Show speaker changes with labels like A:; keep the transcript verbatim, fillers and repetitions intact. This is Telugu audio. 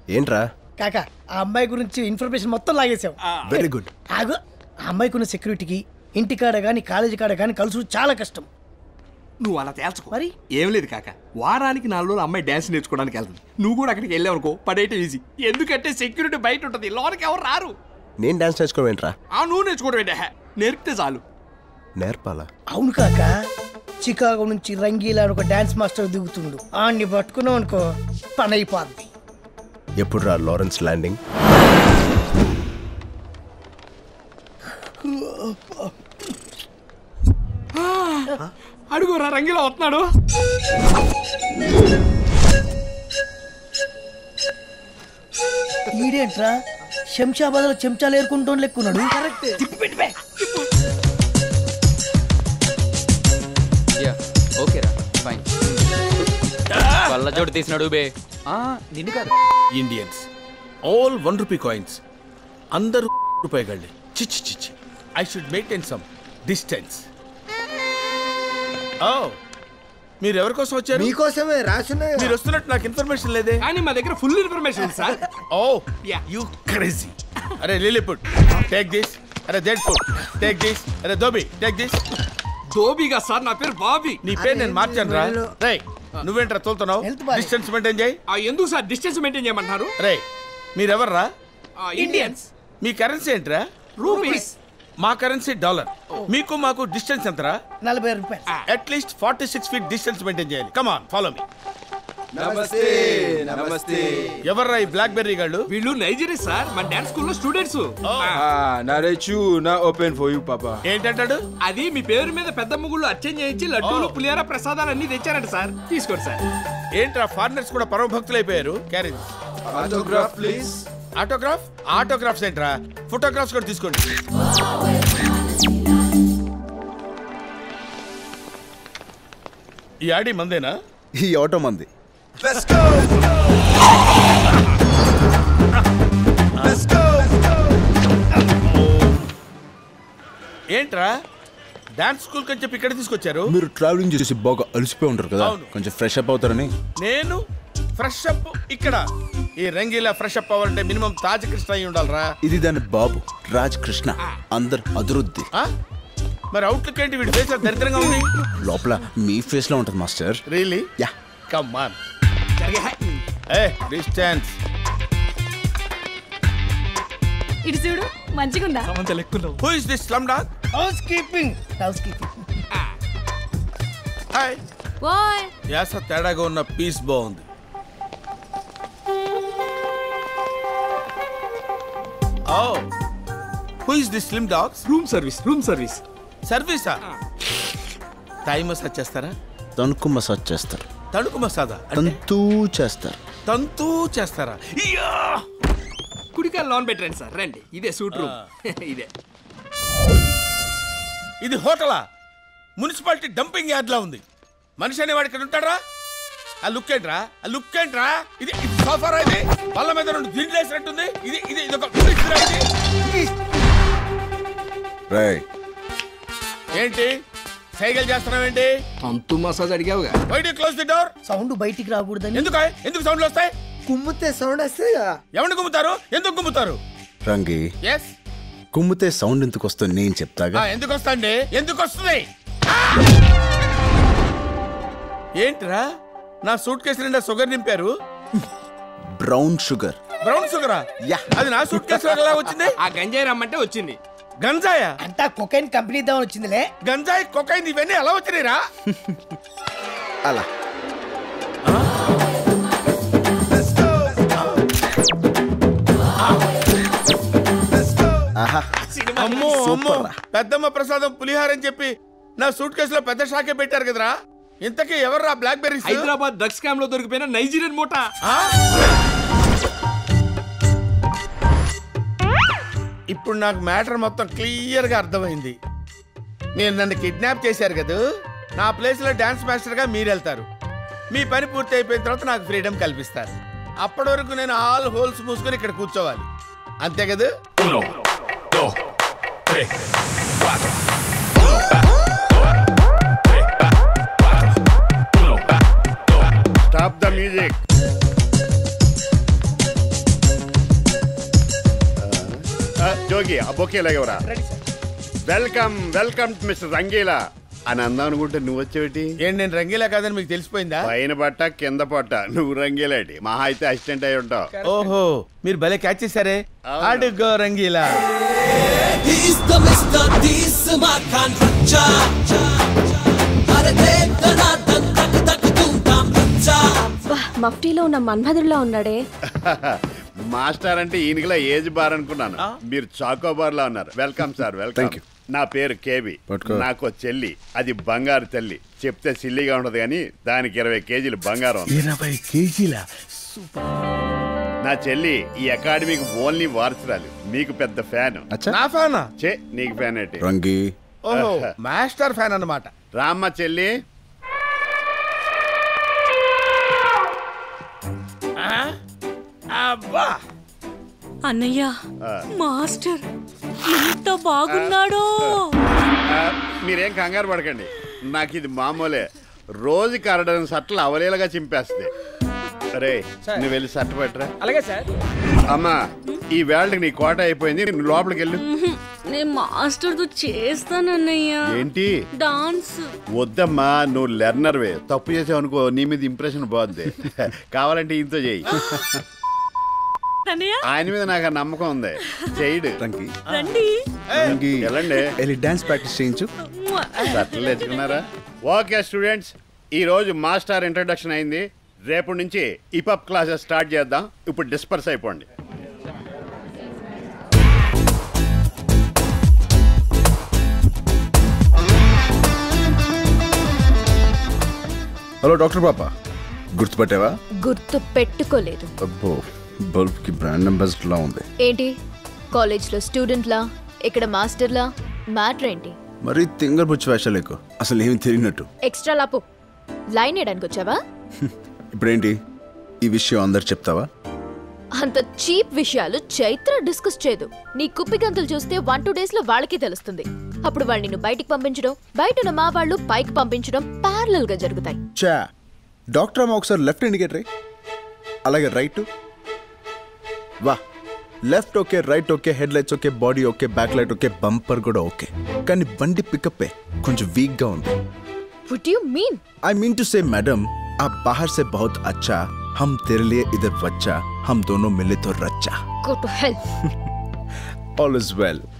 A: ఏంట్రా
B: కాకా ఆ అమ్మాయి గురించి ఇన్ఫర్మేషన్ మొత్తం లాగేసావు.
A: Very good.
B: ఆగు. ఆ అమ్మాయికి ఉన్న సెక్యూరిటీకి ఇంటికాడ కానీ కాలేజీ కాడ కానీ కలుసు చాలా కష్టం.
C: నువ్వు అలా తేల్చుకో.
B: మరి
C: ఏం లేదు కాక, వారానికి నాలుగు రోజులు అమ్మాయి డ్యాన్స్ నేర్చుకోవడానికి వెళ్తుంది. నువ్వు కూడా అక్కడికి వెళ్ళావు అనుకో, పడేయటం ఈజీ. ఎందుకంటే సెక్యూరిటీ బయట ఉంటుంది, లోనికి ఎవరు రారు.
A: నేను డాన్స్ నేర్చుకోవడం ఏంట్రా?
C: ఆ నువ్వు నేర్చుకోవడం ఏంటే, నేర్పితే చాలు.
A: నేర్పాలా?
B: అవును కాక, చికాగో నుంచి రంగీలా ఒక డాన్స్ మాస్టర్ దిగుతుండు. ఆన్ని పట్టుకున్నావు అనుకో పని అయిపోద్ది.
A: ఎప్పుడు రా లారెన్స్ ల్యాండింగ్?
C: అడుగురా, రంగిలా వస్తున్నాడు.
B: ఈడేంట్రా శంషాబాద్ లో చెంచాలు ఏరుకుంటూ లెక్కున్నాడు.
D: జోడు తీసినాడు బే. నిన్ను కాదు,
E: Indians all one rupee coins, అందరూ రూపాయి గళ్ళే. చిచ్చి చిచ్చి, I should maintain some distance. ఓ, మీరు ఎవరి కోసం వచ్చారు?
F: మీకోసమే రాసున్నాయి.
E: మీరు వస్తున్నట్టు నాకు ఇన్ఫర్మేషన్ లేదే.
C: కానీ మా దగ్గర full information sir.
E: Oh you crazy. అరే లిలీపుట్ టేక్ దిస్. అరే డెడ్ ఫుడ్ టేక్ దిస్. అరే దోబి టేక్ దిస్.
C: దోబిగా సార్, నా పేరు బాబీ.
E: నీ పేరు నేను మార్చాను రా. రే నువ్వేంట్రా తోలుతున్నావు? డిస్టెన్స్ మెయింటైన్ చేయి.
C: ఎందుకు సార్ డిస్టెన్స్ మెయింటైన్ చేయమంటున్నారు?
E: రే మీరెవర్రా?
C: ఇండియన్స్.
E: మీ కరెన్సీ ఏంట్రా?
C: రూపీస్.
E: మా కరెన్సీ డాలర్. మీకు మాకు డిస్టెన్స్ ఎంతరా?
B: నలభై రూపాయలు.
E: At least forty six feet distance maintain చేయాలి. Come on follow me.
F: నమస్తే నమస్తే.
E: ఎవర్రా ఈ బ్లాక్ బెర్రీ గాళ్ళు?
C: వీళ్ళు నైజీరియా సార్, మన డాన్స్ స్కూల్లో స్టూడెంట్స్.
F: నరేచు నా ఓపెన్ ఫర్ యు పాపా.
E: ఏంటంటాడు?
C: అది మీ పేరు మీద పెద్ద ముగ్గులు అర్చన చేయించి లడ్డూలు పులిహార ప్రసాదాలు అన్ని తెచ్చారంట సార్. తీసుకోండి సార్.
E: ఏంట్రా ఫారినర్స్ కూడా పరమ భక్తులు అయిపోయారు. Carriage.
F: Autograph please.
E: Autograph? Autographs ఏంట్రా? ఫోటోగ్రాఫ్స్ కూడా తీసుకోండి. ఈ ఆడి మందేనా?
A: ఈ ఆటో మంది.
F: Let's go. Let's go.
E: ఏంట్రా డాన్స్ స్కూల్ కని చెప్పి ఇక్కడ తీసుకొచ్చారు?
A: మీరు ట్రావెలింగ్ చేసి బాగా అలసిపోయి ఉంటారు కదా, కొంచెం ఫ్రెష్ అప్ అవుతారని.
E: నేను ఫ్రెష్ అప్ ఇక్కడ? ఈ రంగీలా ఫ్రెష్ అప్ అవ్వాలంటే మినిమం తాజ్ కృష్ణ అయి ఉండాలరా.
A: ఇది దాని బాబు రాజ్ కృష్ణ. అందరు అదురుద్ది.
E: మరి అవుట్లుక్ ఏంటి? వీడి ఫేస్ దరిద్రంగా ఉంది.
A: లోపల మీ ఫేస్ లో ఉంటుంది master.
E: Really?
A: Yeah.
E: Come on. A distance.
G: ఇటు చూడు, మంచిగుందా?
E: Who is this slum dog?
B: Housekeeping. Housekeeping.
E: Hi.
G: ఓయ్,
E: యాస తేడాగా ఉన్న పీస్ బాగుంది. Oh, who is this slim dog?
C: Room service. Room service.
E: సర్వీసా? థాయ్ మసాజ్ చేస్తారా?
A: తణుకు మసాజ్ చేస్తారు.
E: తణుకు మసాజా?
A: తంతూ చేస్తారు.
E: తంతూ చేస్తారా?
C: కుడికాయ లోన్ పెట్టండి సార్. రండి, ఇదే సూట్ రూమ్. ఇదే.
E: ఇది హోటలా? మున్సిపాలిటీ డంపింగ్ యార్డ్ లా ఉంది. మనిషి అనేవాడు ఇక్కడ ఉంటాడా? ఆ లుక్ ఏంట్రా? ఆ లుక్ ఏంట్రా? ఇది ఇది సోఫారా? ఇది వాళ్ళ మీద రెండు దిండ్లు వేసినట్టుంది. ఇది ఇది ఇది ఒక ఏంటి సైకిల్ చేస్తున్నావేంటి?
C: తంతు మసాజ్ అడిగావుగా.
E: Why do close the door?
B: Sound బయటికి రాకూడదని.
E: ఎందుకు ఎందుకు సౌండ్లు వస్తాయి?
F: కుమ్మితే సౌండ్ వస్తాయి.
E: ఎవరిని కుమ్ముతారు? ఎందుకు కుమ్ముతారు?
A: రంగి,
E: ఎస్,
A: కుమ్మితే సౌండ్ ఎందుకు వస్తుంది నేను చెప్తాగా.
E: ఎందుకు వస్తాండి? ఎందుకు వస్తుంది? ఏంట్రా నా సూట్ కేసు నిండా షుగర్ నింపారు?
A: Brown sugar.
E: బ్రౌన్ షుగరా?
A: యా.
E: అది నా సూట్ కేసు ఎలా వచ్చింది?
C: ఆ గంజాయి రమ్మంటే వచ్చింది.
E: గంజాయా?
B: అంతా కొకైన్ కంపెనీ దాని వచ్చిందిలే.
E: గంజాయి కొకైన్ ఇవన్నీ ఎలా వచ్చినాయిరా?
A: అలా
E: అమ్మో అమ్మో, పెద్దమ్మ ప్రసాదం పులిహార అని చెప్పి నా సూట్ కేసులో పెద్ద షాకే పెట్టారు కదరా. ఇంతకీ ఎవర్రా BlackBerries?
C: Hyderabad drugs scam లో దొరికిపోయిన నైజీరియన్ మూట.
E: ఇప్పుడు నాకు మ్యాటర్ మొత్తం క్లియర్ గా అర్థమైంది. మీరు నన్ను కిడ్నాప్ చేశారు కదా, నా ప్లేస్ లో డాన్స్ మాస్టర్ గా మీరు వెళ్తారు. మీ పని పూర్తి అయిపోయిన తర్వాత నాకు ఫ్రీడమ్ కల్పిస్తారు. అప్పటి వరకు నేను ఆల్ హోల్స్ మూసుకొని ఇక్కడ కూర్చోవాలి, అంతే కదా?
H: Stop the music. యోగి ఆ బొకే లేవరా. వెల్కమ్ వెల్కమ్ మిస్టర్ రంగీలా అని అందాం అనుకుంటే నువ్వు వచ్చేటి
E: ఏంటి నేను రంగీలా కాదని మీకు తెలిసిపోయిందా?
H: పైన పట్ట కింద పట్ట నువ్వు రంగీలాటి మహా అయితే అసిస్టెంట్ అయి ఉంటావు.
E: ఓహో మీరు భలే క్యాచ్ చేశారే. అడుగో రంగీలా.
G: మఫ్టీలో ఉన్న మన్మధుడిలో ఉన్నాడే.
H: మాస్టర్ అంటే ఈయనకిలా ఏజ్ బార్ అనుకున్నాను, మీరు చాకో బార్ లా ఉన్నారు. Welcome sir welcome. నా పేరు కేబి, నాకు చెల్లి, అది బంగారు తల్లి. చెప్తే సిల్లిగా ఉండదు కానీ దానికి ఇరవై కేజీలు బంగారం.
E: ఇరవై కేజీల
H: నా చెల్లి ఈ అకాడమీకి ఓన్లీ వారసురాలు, మీకు పెద్ద ఫ్యాన్.
E: నా ఫ్యానా?
H: చే నీకు ఫ్యాన్ ఏంటి?
A: రంగి
E: ఓహో మాస్టర్ ఫ్యాన్ అన్నమాట.
H: రామ్మ చెల్లి.
E: అబ్బా
G: అన్నయ్య మాస్టర్ ఎంత బాగున్నాడో.
H: మీరేం కంగారు పడకండి, నాకు ఇది మామూలే. రోజుకి అరడని సట్టలు అవలేలుగా చింపేస్తుంది. అరే నువ్వు వెళ్ళి సట్ట పెట్టరా.
D: అలాగే సార్.
H: అమ్మా ఈ వేళకి నీ కోట అయిపోయింది, నువ్వు లోపలికి వెళ్ళు.
G: నేను మాస్టర్ తో చేస్తానన్నయ్య.
H: ఏంటి
G: డాన్స్?
H: వద్దమ్మా, నువ్వు లెర్నర్వే. తప్పు చేసావు అనుకో నీ మీద ఇంప్రెషన్ బాగుంది. కావాలంటే ఇంతో చేయి. ఆయన మీద నాకు ఆ నమ్మకం ఉంది, చేయడు.
A: రంగి
G: రండి
A: రంగి
H: వెళ్ళండి,
A: వెళ్ళి డాన్స్ ప్రాక్టీస్ చేయించు.
H: సట్టలు తెచ్చుకున్నారా? ఓకే స్టూడెంట్స్, ఈ రోజు మాస్టర్ ఇంట్రడక్షన్ అయింది. రేపటి నుంచి ఇపప్ క్లాసెస్ స్టార్ట్ చేద్దాం. ఇప్పుడు డిస్పర్స్ అయిపోండి.
A: హలో డాక్టర్ పాప, గుర్తుపట్టావా?
I: గుర్తు పెట్టుకోలేదు.
A: అబ్బో, బల్బ్ కి బ్రాండ్ అంబాసిడర్ లా ఉంది.
I: ఏంటి కాలేజ్ లో స్టూడెంట్ లా, ఇక్కడ మాస్టర్ లా? మ్యాటర్ ఏంటి?
A: మరి తింగర్ బుచ్చి వేషాలు ఎక్కువ, అసలు ఏమి తెలియనట్టు.
I: ఎక్స్ట్రా లాపు లైన్ వేయడానికి వచ్చావా?
A: ఇప్పుడేంటి ఈ విషయం అందరు చెప్తావా?
I: అంత చీప్ విషయాలు చైత్ర డిస్కస్ చేయదు. నీ కుప్పి గంతులు చూస్తే వన్ టూ డేస్ లో వాళ్ళకి తెలుస్తుంది. అప్పుడు వాళ్ళు నిన్ను బయటికి పంపించడం, బయట ఉన్న మా వాళ్ళు పైకి పంపించడం ప్యారలల్ గా జరుగుతాయి.
A: చా డాక్టర్ అమ్మ ఒకసారి లెఫ్ట్ ఇండికేటర్, అలాగే రైట్. వా, left okay, right okay, head lights okay, body okay, back light okay, bumper కూడా ఓకే. కానీ బండి పికప్ కొంచెం వీక్ గా ఉంది.
I: What do you mean?
A: I mean to say, madam, आप बाहर से बहुत अच्छा, हम तेरे लिए इधर बच्चा, हम दोनों मिले तो रच्चा.
I: Go to hell.
A: All is well.